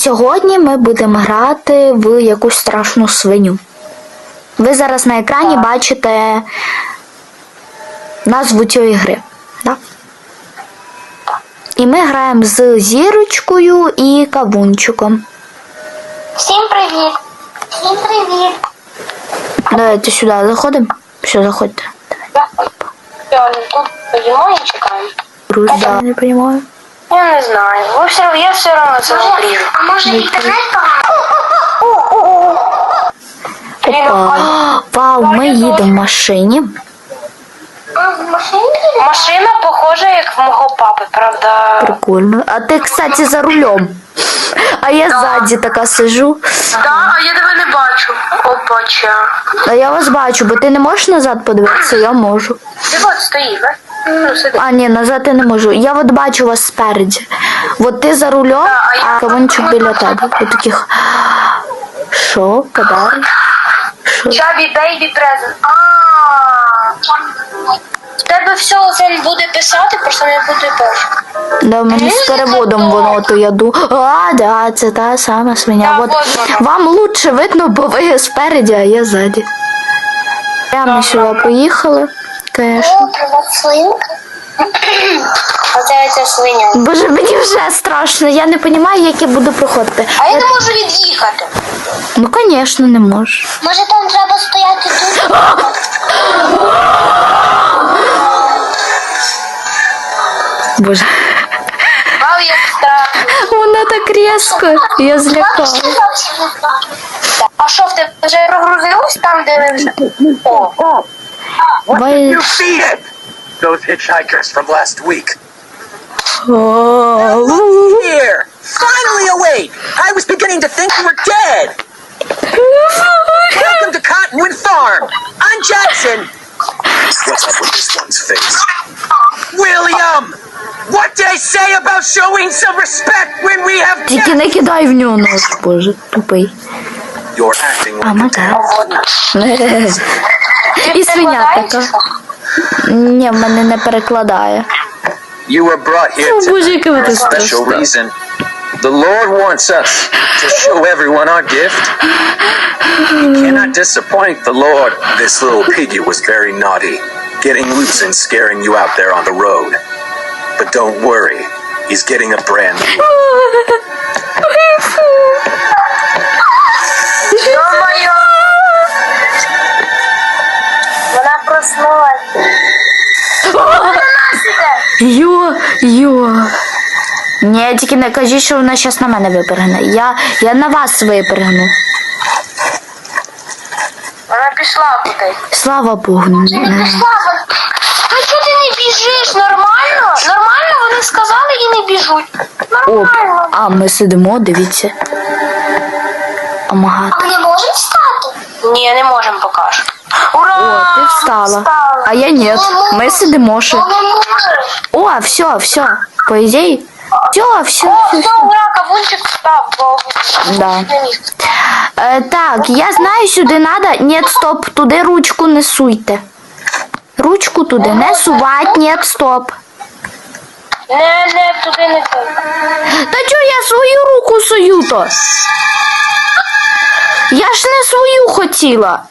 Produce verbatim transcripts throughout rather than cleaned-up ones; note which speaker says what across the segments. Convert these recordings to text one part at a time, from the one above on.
Speaker 1: сьогодні ми будемо грати в якусь страшну свиню. Ви зараз на екрані бачите назву цієї гри. Да? І ми граємо з Зірочкою і Кавунчиком.
Speaker 2: Всім привіт! Всім привіт!
Speaker 1: Давайте сюди заходимо. Все, заходьте.
Speaker 2: Давай. Тут поїмо і чекаємо.
Speaker 1: Друзья, не понимаю.
Speaker 2: Я не знаю. Ви все, я все одно це обріжу. А може інтернет
Speaker 1: Опа. Вау, ми їдемо в машині.
Speaker 2: А в машині? Машина похожа, як в мого папи, правда?
Speaker 1: Прикольно. А ти, кстати, за рулем. А я ззаді така сижу.
Speaker 2: Так, а я тебе не бачу. Опача.
Speaker 1: А я вас бачу, бо ти не можеш назад подивитися, я можу.
Speaker 2: Ти от стоїть, так? Ну, сиди.
Speaker 1: А, ні, назад я не можу. Я от бачу вас спереді. От ти за рулем, а Кавунчик біля тебе. От таких. Що? Подарок? Що?
Speaker 2: Чабі, бейбі, презент. А. В тебе все він буде писати, просто не буде перший.
Speaker 1: Да, в мене з переводом воно то я ду. А, да, це та сама свиня.
Speaker 2: Да,
Speaker 1: От
Speaker 2: вот воно.
Speaker 1: вам лучше видно, бо ви спереді, а я ззаді. Прямо сюди поїхали. Конечно.
Speaker 2: привет, свинка. Оце ця свиня.
Speaker 1: Боже, мені вже страшно, я не розумію, як я буду проходити.
Speaker 2: А я не можу від'їхати.
Speaker 1: Ну, звісно, не можеш.
Speaker 2: Може там треба стояти тут?
Speaker 1: Боже,
Speaker 2: Вау, як страшно.
Speaker 1: вона так різко, я злякалась.
Speaker 2: А що, в тебе вже розгрузилось там, де ви вже? О,
Speaker 1: Бай...
Speaker 3: You see it! Those hitchhikers from last week. Here! Finally awake! I was beginning to think you were dead! Welcome to Cottonwood Farm! I'm Jackson! What's up with this one's face? William! What did I say about showing some respect when we have
Speaker 1: Тільки не кидай в нього нож, боже, тупий.
Speaker 3: You're acting
Speaker 1: А,
Speaker 3: like a
Speaker 1: мага.
Speaker 3: dad.
Speaker 1: І свиня така. Ні, в мене не перекладає.
Speaker 3: You were brought here
Speaker 1: О,
Speaker 3: to
Speaker 1: боже, яке ви
Speaker 3: for a
Speaker 1: тут
Speaker 3: special
Speaker 1: страшне.
Speaker 3: reason. The Lord wants us to show everyone our gift. You cannot disappoint the Lord. This little piggy was very naughty, getting loose and scaring you out there on the road. But don't worry, he's getting a brand new.
Speaker 2: ё-моё! Вона проснулась. Вона на нас іде.
Speaker 1: Йо, йо. Ні, тільки не кажіть, що вона зараз на мене випригне. Я, я на вас випригну.
Speaker 2: Вона пішла кудись.
Speaker 1: Слава Богу.
Speaker 2: Не пішла вона. Ну чого ти не біжиш? Нормально? Нормально вони сказали і не біжуть.
Speaker 1: Оп.
Speaker 2: Нормально.
Speaker 1: А, ми сидимо, дивіться. Омагати.
Speaker 2: Ми не можемо встати? Ні, не можемо поки що. Ура!
Speaker 1: О, ти встала. А я ні. Ми сидимо ще.
Speaker 2: Ну, не можеш.
Speaker 1: О, все, все. По ідеї. Все, все,
Speaker 2: О,
Speaker 1: все.
Speaker 2: все, ура, кавунчик встав. бо
Speaker 1: Да.
Speaker 2: не міг.
Speaker 1: Е, так, я знаю, сюди треба. Ні, стоп, туди ручку не суйте. Ручку туди не сувать, ні, стоп.
Speaker 2: Не, не, туди не туди.
Speaker 1: Та чого я свою руку сую то? Я ж не свою хотіла.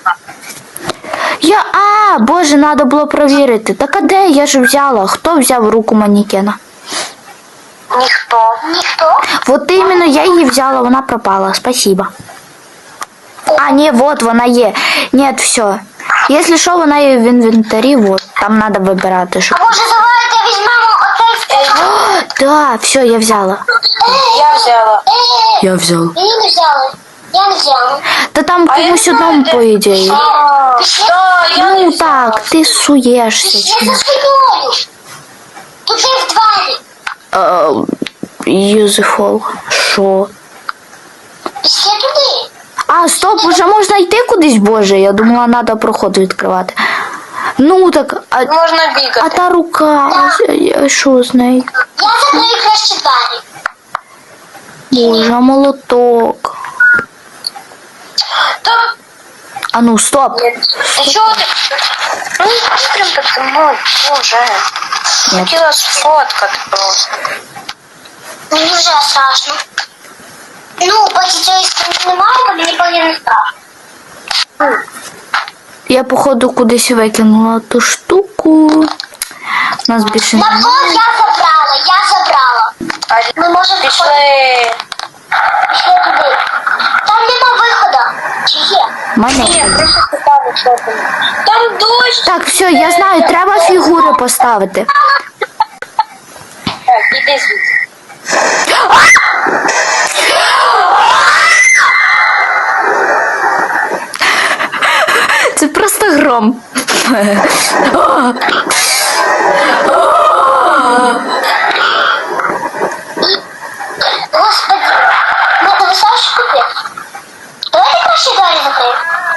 Speaker 1: Я, а, боже, треба було провірити. Так а де я ж взяла? Хто взяв руку манекена?
Speaker 2: Ніхто. Ніхто?
Speaker 1: Вот іменно я її взяла, вона пропала. Спасибо. А, ні, вот вона є. Ні, все. Якщо що, вона є в інвентарі, вот. Там треба вибирати, що.
Speaker 2: А може давайте візьмемо оцей
Speaker 1: О, да, все, я взяла.
Speaker 2: Я взяла.
Speaker 1: Я взяла.
Speaker 2: Мені не взяли. Я не взяла.
Speaker 1: Та там комусь одному, по ідеї.
Speaker 2: Да, я не
Speaker 1: Ну
Speaker 2: взяла.
Speaker 1: так, ти суєшся.
Speaker 2: Я
Speaker 1: чи-
Speaker 2: за спиною. Тут є в двері.
Speaker 1: Юзефол. Що?
Speaker 2: Ще туди.
Speaker 1: А, стоп, уже можна йти кудись, боже. Я думала, треба проход відкривати. Ну так, а,
Speaker 2: Можна
Speaker 1: а
Speaker 2: бігати.
Speaker 1: та рука, а що з нею?
Speaker 2: Я закрию краще двері.
Speaker 1: Боже, а молоток.
Speaker 2: Та...
Speaker 1: А ну, стоп.
Speaker 2: Та чого ти? Ну, прям так, ну, боже.
Speaker 1: Ні.
Speaker 2: Хотіла сфоткати просто. Мені вже страшно. Ну, поки цієї сторони немає, то мені поки не страшно.
Speaker 1: Я, походу, кудись викинула ту штуку. У нас більше
Speaker 2: На
Speaker 1: немає.
Speaker 2: фон я забрала, я забрала. Ми можемо
Speaker 4: Пішли.
Speaker 2: пішли туди. Там нема виходу. Чи є?
Speaker 1: В мене
Speaker 4: Ні,
Speaker 1: є.
Speaker 4: просто питаю, що там. Там дощ.
Speaker 1: Так, все, я знаю, треба фігури поставити.
Speaker 4: Так, іди звідси.
Speaker 1: Це просто гром.
Speaker 2: Господи, ну ти висаєш купи? Давайте краще двері закриємо.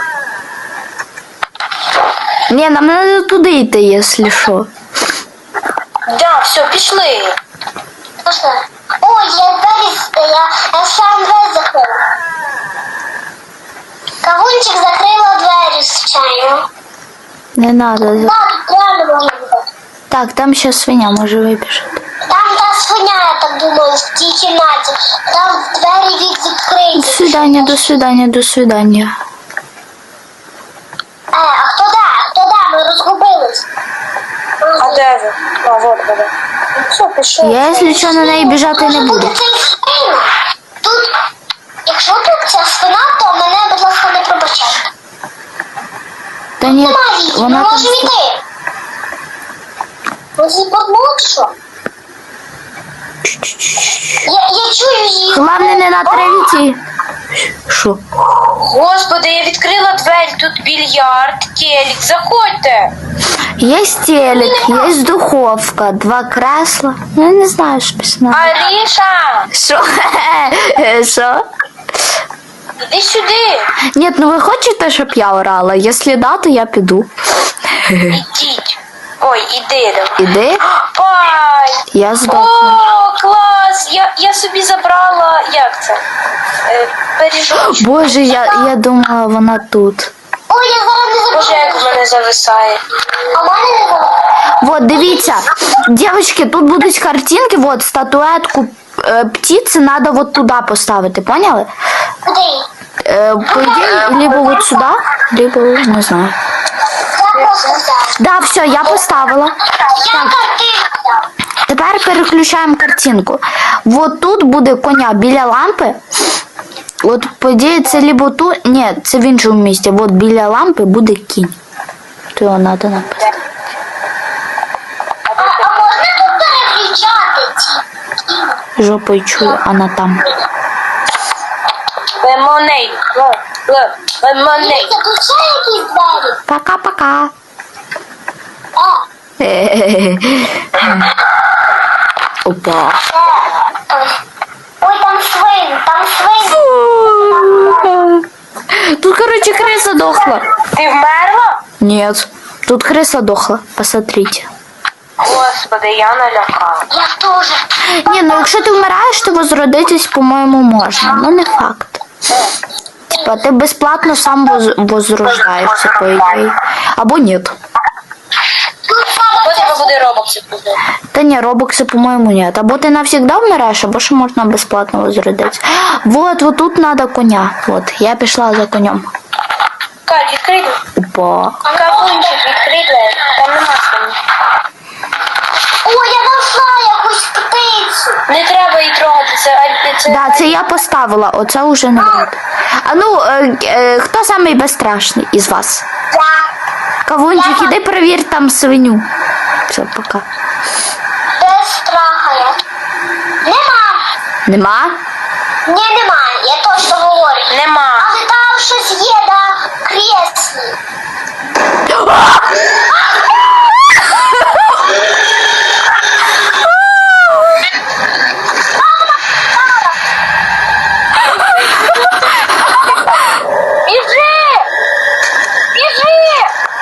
Speaker 1: Ні, нам треба туди йти, якщо що.
Speaker 4: Да, все, пішли.
Speaker 2: Можна? Ой, я двері, з- я, я сам двері закрила. Кавунчик закрила двері, звичайно.
Speaker 1: Не треба.
Speaker 2: Так, тут реально можна бути.
Speaker 1: Так, там ще свиня може вибіжати.
Speaker 2: Там та свиня, я так думаю, в тій кімнаті. Там двері від
Speaker 1: До
Speaker 2: відкриті.
Speaker 1: свидання, до свидання, до свидання.
Speaker 2: Е, а хто де? Хто де? Ми розгубились.
Speaker 4: А де ви? А, вот вона. Ну, все, пішов.
Speaker 1: Я, якщо що, на неї біжати не буду.
Speaker 2: Може бути цей свин. Тут, якщо тут ця свина, то мене, будь ласка, не пробачайте.
Speaker 1: Та ні,
Speaker 2: Нема її, ми
Speaker 1: вона там...
Speaker 2: можемо йти. Ми її подмогли, що? Я, я чую її.
Speaker 1: Головне не на травіті. Що?
Speaker 4: Господи, я відкрила двері, тут більярд, телек, заходьте.
Speaker 1: Є телек, є духовка, два кресла. Ну, я не знаю, що пісня.
Speaker 4: Аріша,
Speaker 1: Що? Що?
Speaker 4: іди сюди.
Speaker 1: Ні, ну ви хочете, щоб я орала? Якщо да, то я піду.
Speaker 4: Ідіть. Ой, іди. давай.
Speaker 1: Іди,
Speaker 4: Пай.
Speaker 1: я здохну.
Speaker 4: О, клас! Я, я собі забрала, як це? Е, пиріжочок.
Speaker 1: Боже, я, я думала, вона тут.
Speaker 2: Ой, я зараз не
Speaker 4: Боже,
Speaker 2: забуду.
Speaker 4: як в мене зависає.
Speaker 2: А в мене не забуду.
Speaker 1: Вот, дивіться, дівчатки, тут будуть картинки, вот, статуетку е, птиці треба вот туди поставити, поняли?
Speaker 2: Куди?
Speaker 1: Е, по ідеї, либо вот сюди, либо, не знаю.
Speaker 2: Я просто взяла.
Speaker 1: Да, все, я поставила.
Speaker 2: Я картину взяла.
Speaker 1: Тепер переключаємо картинку. Вот тут буде коня біля лампи. От, по ідеї, це либо тут, ні, це в іншому місці. От біля лампи буде кінь. То його треба написати.
Speaker 2: А, а можна тут переключати ці?
Speaker 1: Жопою чую, вона там.
Speaker 4: Лемонейд. Ле- ле- Лемонейд.
Speaker 2: Дивіться, тут ще якісь двері.
Speaker 1: Пока-пока.
Speaker 2: О,
Speaker 1: Опа.
Speaker 2: е, ой, там свин, там свин.
Speaker 1: Тут, короче, крыса дохла.
Speaker 4: Ти вмерла?
Speaker 1: Нет. Тут крыса дохла. Посмотрите.
Speaker 4: Господи, я налякала.
Speaker 2: Я теж.
Speaker 1: Ні, ну якщо ти вмираєш, то возродитись, по-моєму, можна. Ну не факт. Типа, ти безплатно сам воз... возрождаєшся, по ідеї. Або ні.
Speaker 2: Тут
Speaker 4: Бо
Speaker 2: саме
Speaker 4: треба
Speaker 2: це.
Speaker 4: буде робокси купити.
Speaker 1: Та ні, робокси, по-моєму, ні. Або ти навсегда вмираєш, або ще можна безплатно возродитися. Вот, вот тут треба коня. Вот, я пішла за конем.
Speaker 4: Кать, відкрий. двері.
Speaker 1: Опа.
Speaker 4: Кавунчик, відкрий двері. Там нема свині.
Speaker 2: Ой, я знайшла якусь птицю.
Speaker 4: Не треба її трогати, це... а- це...
Speaker 1: Да, це я поставила, оце вже не буде. А ну, е, е, хто самий безстрашний із вас?
Speaker 2: Я.
Speaker 1: Кавунчик, іди перевір там свиню. Все, пока.
Speaker 2: Без страха я. Нема.
Speaker 1: Нема?
Speaker 2: Ні, нема. Я точно говорю.
Speaker 4: Нема.
Speaker 2: Але там щось є на креслі.
Speaker 4: Біжи! Біжи!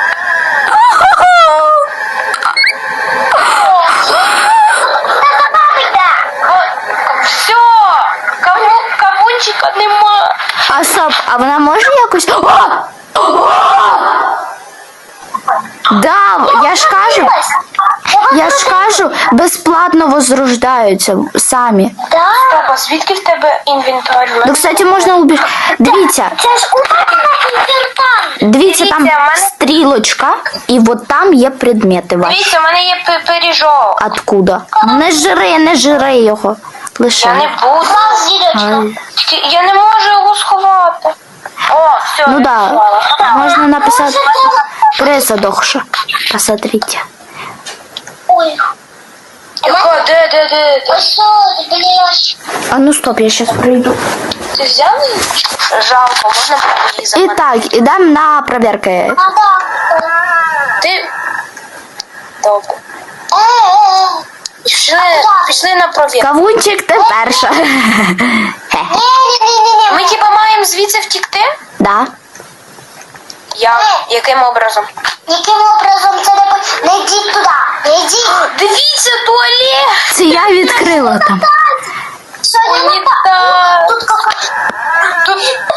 Speaker 2: Та за нами йде.
Speaker 4: Все! Каву... Кавунчика нема.
Speaker 1: А стоп, а вона може якось. О! Да, я ж кажу.
Speaker 2: Я
Speaker 1: Я ж кажу, безплатно возрождаються самі.
Speaker 2: Да.
Speaker 4: Стоп, а звідки в тебе інвентар?
Speaker 1: Ну, кстати, можна убіж... Дивіться,
Speaker 2: Це ж у мене інвентар.
Speaker 1: дивіться, там
Speaker 4: Дивіться, в мене-
Speaker 1: стрілочка, і от там є предмети ваші.
Speaker 4: Дивіться, у мене є пи- пиріжок.
Speaker 1: Откуда? Ну, не жри, не жри його.
Speaker 4: Я не
Speaker 1: Лише.
Speaker 4: буду.
Speaker 2: Клас, зірочка.
Speaker 1: Ай.
Speaker 4: Тільки я не можу його сховати. О, все,
Speaker 1: Ну
Speaker 4: я
Speaker 1: да,
Speaker 4: сховала.
Speaker 1: можна написати пресадохша. Посмотрите.
Speaker 2: Ой.
Speaker 4: Яка, де, де, де, де?
Speaker 2: Ось що, біля ящика.
Speaker 1: А ну стоп, я сейчас пройду.
Speaker 4: Ти взяв її? Жалко, можна її
Speaker 1: І
Speaker 4: забрати.
Speaker 1: так, ідемо на проверки.
Speaker 2: А, так.
Speaker 4: Ти... Добре.
Speaker 2: Е-е-е.
Speaker 4: Пішли, пішли на провірку.
Speaker 1: Кавунчик, ти перша. Хе.
Speaker 2: Ні-ні-ні-ні.
Speaker 4: Ми типа маємо звідси втікти?
Speaker 1: Да.
Speaker 4: Як? Яким образом?
Speaker 2: Яким образом це не по- не йдіть туди, не йдіть.
Speaker 4: Дивіться, туалет!
Speaker 1: Це я відкрила там.
Speaker 2: Що не так?
Speaker 4: Унітаз!
Speaker 2: Тут кака...
Speaker 4: Тут...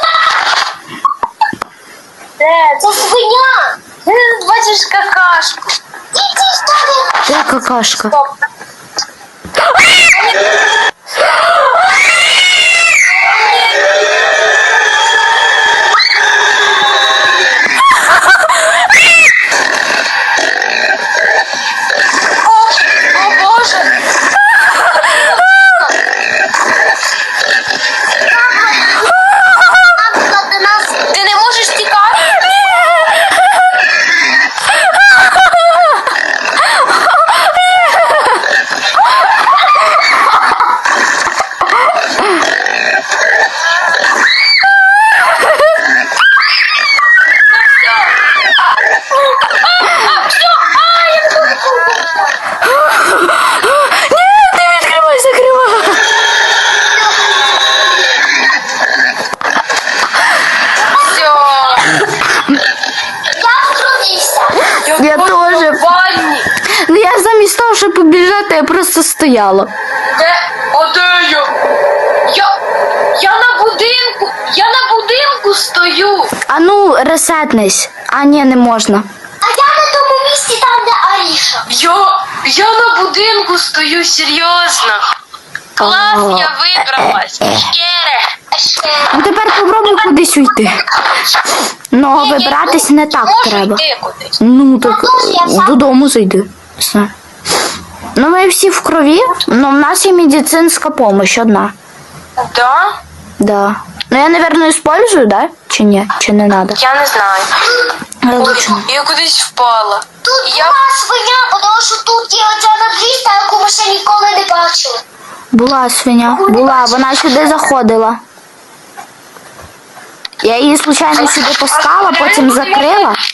Speaker 4: Де?
Speaker 2: Це свиня.
Speaker 4: Ти бачиш какашку.
Speaker 2: Ідіть туди.
Speaker 1: Де какашка?
Speaker 4: Стоп. О, о Боже!
Speaker 2: Бабка до нас.
Speaker 4: Ти не можеш тікати?
Speaker 1: Ні, ти відкривай, закривай.
Speaker 4: Все.
Speaker 2: Я втрутився.
Speaker 1: Я
Speaker 4: буду
Speaker 1: тоже.
Speaker 4: в ванні.
Speaker 1: Ну я замість того, щоб побіжати, я просто стояла.
Speaker 4: Де? О, де я? Я... Я на будинку. Я на будинку стою.
Speaker 1: А ну, ресетнись. А ні, не можна.
Speaker 2: А я на тому місці там, де Аріша.
Speaker 4: Я... Я на будинку стою, серйозно. Клас,
Speaker 1: О,
Speaker 4: я вибралась. Шкере.
Speaker 1: Ну тепер попробуй кудись уйти. Ну,
Speaker 4: Ні, ні,
Speaker 1: вибратись
Speaker 4: ну,
Speaker 1: не так
Speaker 4: можу
Speaker 1: треба.
Speaker 4: йти кудись.
Speaker 1: Ну так
Speaker 2: Ну, я сам-
Speaker 1: додому зайди. Все. Ну ми всі в крові, але в нас є медицинська допомога одна.
Speaker 4: Да?
Speaker 1: Да. Ну я, наверное, использую, да? Чи ні? Чи не надо?
Speaker 4: Я не знаю.
Speaker 1: Различно.
Speaker 4: Я кудись впала.
Speaker 2: Тут
Speaker 4: Я...
Speaker 2: була свиня, тому що тут є оця надрізка, яку ми ще ніколи не бачили.
Speaker 1: Була свиня, була, вона сюди заходила. Я її случайно сюди пускала, потім закрила.